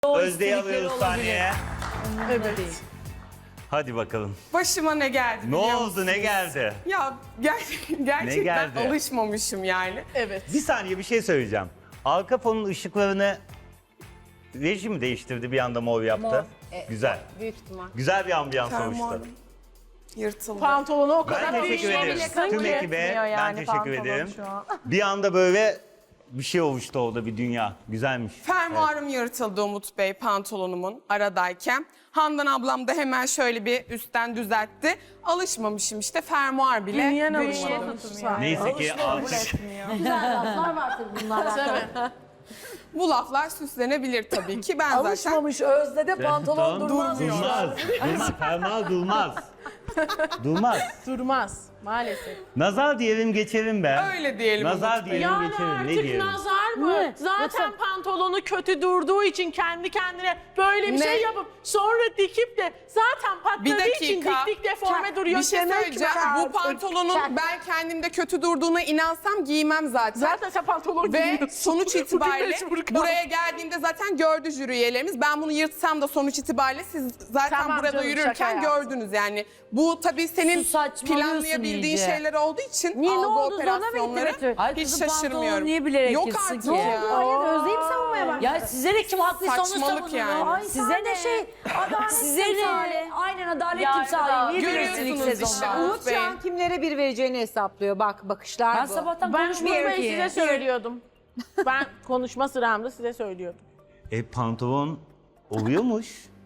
Özde'yi alıyoruz sahneye. Evet. Hadi bakalım. Başıma ne geldi Ne biliyor oldu, musunuz? ne geldi? Ya gerçekten geldi? alışmamışım yani. Evet. Bir saniye bir şey söyleyeceğim. Arka fonun ışıklarını reji mi değiştirdi bir anda mor yaptı? Mor. Güzel. Büyük ihtimal. Güzel bir ambiyans Fermuarım oluştu. yırtıldı. Pantolonu o Ben kadar teşekkür büyük. ederim. Tüm ekibe ben teşekkür ederim. Bir anda böyle bir şey oluştu orada, bir dünya. Güzelmiş. Fermuarım yırtıldı Umut Bey pantolonumun aradayken. Handan ablam da hemen şöyle bir üstten düzeltti. Alışmamışım işte fermuar bile Niye durmadı. Neyse ki artık Güzel laflar var tabii bunlarla. Bu laflar süslenebilir tabii ki. Ben zaten Alışmamış Özde de pantolon durmaz. durmaz. Durmaz. Fermuar durmaz. Durmaz. Durmaz maalesef. Nazar diyelim geçelim be. öyle diyelim Nazar Umut Bey. diyelim Yani geçelim. Ne artık diyelim? nazar mı? Ne? Zaten pantolonu kötü durduğu için kendi kendine böyle bir Ne? şey yapıp sonra dikip de zaten Bir patladığı için dakika. dik deforme duruyor. Bir şey Demek ki söyleyeceğim. Bu artık- pantolonun ben kendimde kötü durduğuna inansam giymem zaten. Zaten sen pantolon Ve giyiyorsun. sonuç Bugün itibariyle mecbur kaldım. buraya geldiğimde zaten gördü jüri üyelerimiz. Ben bunu yırtsam da sonuç itibariyle siz zaten Tamam burada canım, yürürken şaka yaptım. gördünüz yani. Bu tabii senin Su saçmalıyorsun planlayabildiğin iyice. şeyler olduğu için Niye, ne algı oldu? Zoruna mı operasyonları gitti Ay hiç kızım, pantolonu şaşırmıyorum. niye bilerek Yok yırtsın artık ki? ya. Hayır Özde'yi mi savunmaya başladın? Ya size de kim haklıysa onu Saçmalık savunun. yani. Ay, Size ne şey? Adalet Size timsali. ne? Aynen adalet Yani timsali. Niye görüyorsunuz bilirsiniz ilk işte. sezonda? Umut Bey. Şu an kimlere bir vereceğini hesaplıyor. Bak bakışlar Ben bu. sabahtan Ben konuşmuyorum bunu ki. size söylüyordum. Ben konuşma sıramda size söylüyordum. Pantolon oluyormuş.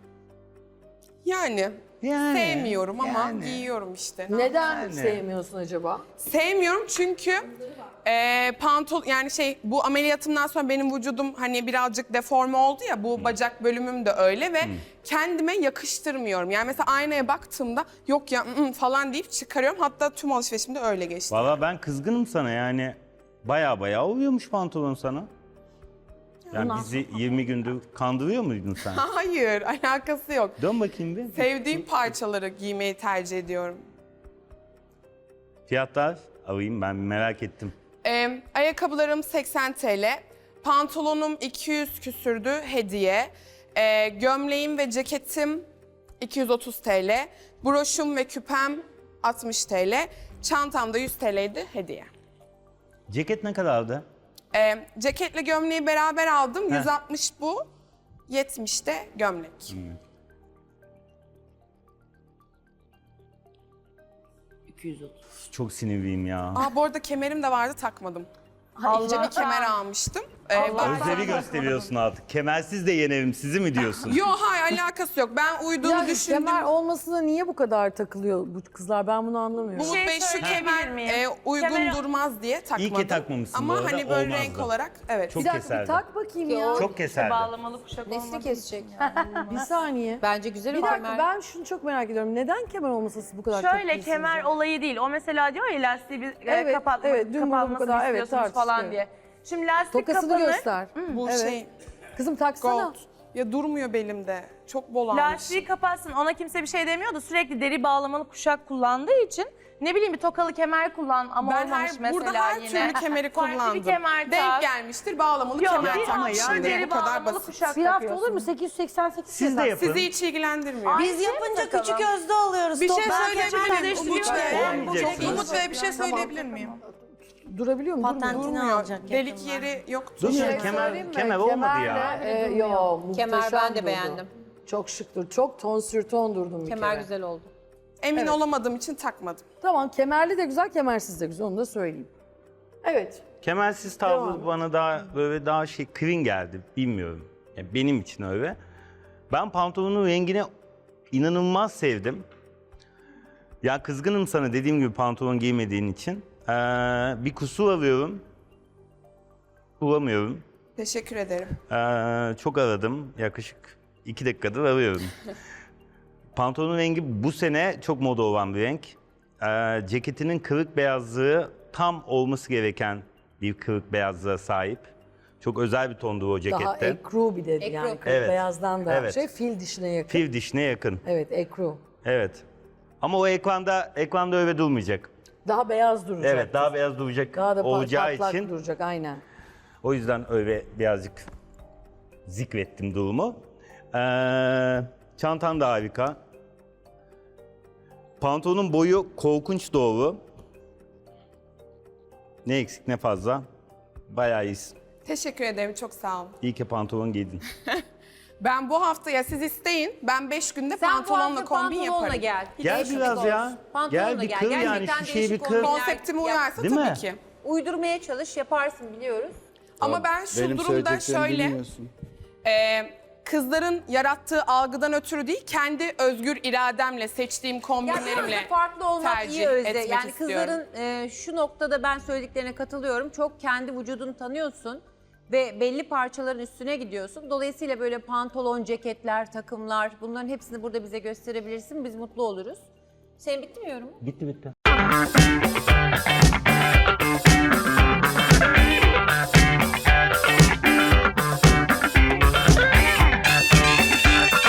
Yani Yani, sevmiyorum ama yani. giyiyorum işte. Neden sevmiyorsun acaba? Sevmiyorum çünkü yani bu ameliyatımdan sonra benim vücudum hani birazcık deforme oldu ya, bu bacak bölümüm de öyle ve kendime yakıştırmıyorum. Yani mesela aynaya baktığımda yok ya falan deyip çıkarıyorum. Hatta tüm alışverişimde öyle geçti. Valla ben kızgınım sana yani. Baya oluyormuş pantolon sana. Yani bizi 20 gündür kandırıyor muydun sen? Hayır, alakası yok. Dön bakayım bir. Sevdiğim parçaları giymeyi tercih ediyorum. Fiyatlar alayım, ben merak ettim. Ayakkabılarım 80 TL, pantolonum 200 küsürdü hediye, gömleğim ve ceketim 230 TL, broşum ve küpem 60 TL, çantam da 100 TL'ydi hediye. Ceket ne kadardı? Ceketle gömleği beraber aldım, 160 bu, 70 de gömlek. 230. Çok sinirliyim ya. Bu arada kemerim de vardı, takmadım. İnce bir kemer almıştım. Özleri gösteriyorsun artık. Kemersiz de yenerim sizi mi diyorsun? Yok hayır, alakası yok. Ben uyduğunu Yani düşündüm. kemer olmasına niye bu kadar takılıyor bu kızlar? Ben bunu anlamıyorum. Umut Bey şu kemer uygun durmaz diye takmadım. İyi ki takmamışsın Ama bu arada, hani böyle olmazdı. renk olarak evet. Çok Bir dakika keserdi. bir tak bakayım ya. Çok keserdi. Nesli kesecek. Bir saniye. Bence güzel Bir o dakika kemer. ben şunu çok merak ediyorum. Neden kemer olmasası bu kadar Şöyle takıyorsunuz kemer ya? olayı değil. O mesela diyor ya lastiği bir Evet, kapatmak, evet, dün bunu bu kapatmasını kadar, evet, istiyorsunuz tartıştık, falan evet. diye. Şimdi lastik Tokasını kapanır. göster. Bu Evet. şey Kızım taksana. gold. Ya durmuyor belimde. Çok bol almış. Lastiği kapatsın. Ona kimse bir şey demiyor da sürekli deri bağlamalı kuşak kullandığı için ne bileyim bir tokalı kemer kullan ama Ben olmamış mesela burada her yine. türlü kemeri Farklı kullandım. bir kemer Denk tak. gelmiştir, bağlamalı Yok, kemer bir takmışım. hafta deri Bu kadar bağlamalı basit. kuşak Bir hafta takıyorsun. olur mu? 888 Siz de yapın. Sizi hiç ilgilendirmiyor. Biz yapınca küçük özde alıyoruz. Bir şey söyleyebilir miyim? Umut Olmayacaksınız. Umut Bey bir şey söyleyebilir miyim? Durabiliyor mu? Durmuyor. Durmuyor. Delik yeri yoktu. Durmuyor, Söyleyeyim kemer mi? olmadı ya. Kemerle, yo, Kemer muhteşem ben de durdu. beğendim. Çok şıktır. Çok ton sür ton durdum bir Kemer kere. güzel oldu. Emin olamadığım için takmadım. Tamam kemerli de güzel, kemersiz de güzel. Onu da söyleyeyim. Evet. Kemersiz tavrı bana daha clean geldi. Bilmiyorum. Yani benim için öyle. Ben pantolonun rengini inanılmaz sevdim. Ya kızgınım sana dediğim gibi pantolon giymediğin için. Bir kusur arıyorum. Bulamıyorum. Teşekkür ederim. Çok aradım. Yaklaşık 2 dakikadır arıyorum. Pantolonun rengi bu sene çok moda olan bir renk. Ceketinin kırık beyazlığı tam olması gereken bir kırık beyazlığa sahip. Çok özel bir tondu o cekette. Daha ekru bir dedi Ekru. yani. Kırk Evet. beyazdan da Evet. fil dişine yakın. Fil dişine yakın. Evet ekru. Evet. Ama o ekranda öyle durmayacak. Daha beyaz duracak. Evet, daha beyaz duracak Daha da olacağı patlak için duracak aynen. o yüzden öyle birazcık zikrettim durumu. Çantan da harika. Pantolonun boyu korkunç doğru. Ne eksik ne fazla. Bayağı iyisin. Teşekkür ederim, çok sağ olun. İyi ki pantolon giydin. Ben bu haftaya siz isteyin, ben 5 günde Sen pantolonla kombin yaparım. gel. Gel Değişiklik biraz olsun. ya. Pantolonla Gel bir kır yani Gerçekten şu şeyi bir değişik kır. kombinler Konseptime yap. uyarsa Değil tabii mi? ki. Uydurmaya çalış, yaparsın biliyoruz. Ama ben şu Benim durumda söyleyeceklerimi şöyle, bilmiyorsun. kızların yarattığı algıdan ötürü değil, kendi özgür irademle, seçtiğim Ya kombinlerimle biraz da farklı olmak tercih iyi Özde. etmek Yani istiyorum. kızların şu noktada ben söylediklerine katılıyorum. Çok kendi vücudunu tanıyorsun ve belli parçaların üstüne gidiyorsun. Dolayısıyla böyle pantolon, ceketler, takımlar bunların hepsini burada bize gösterebilirsin. Biz mutlu oluruz. Senin bitti mi yorumun? Bitti bitti.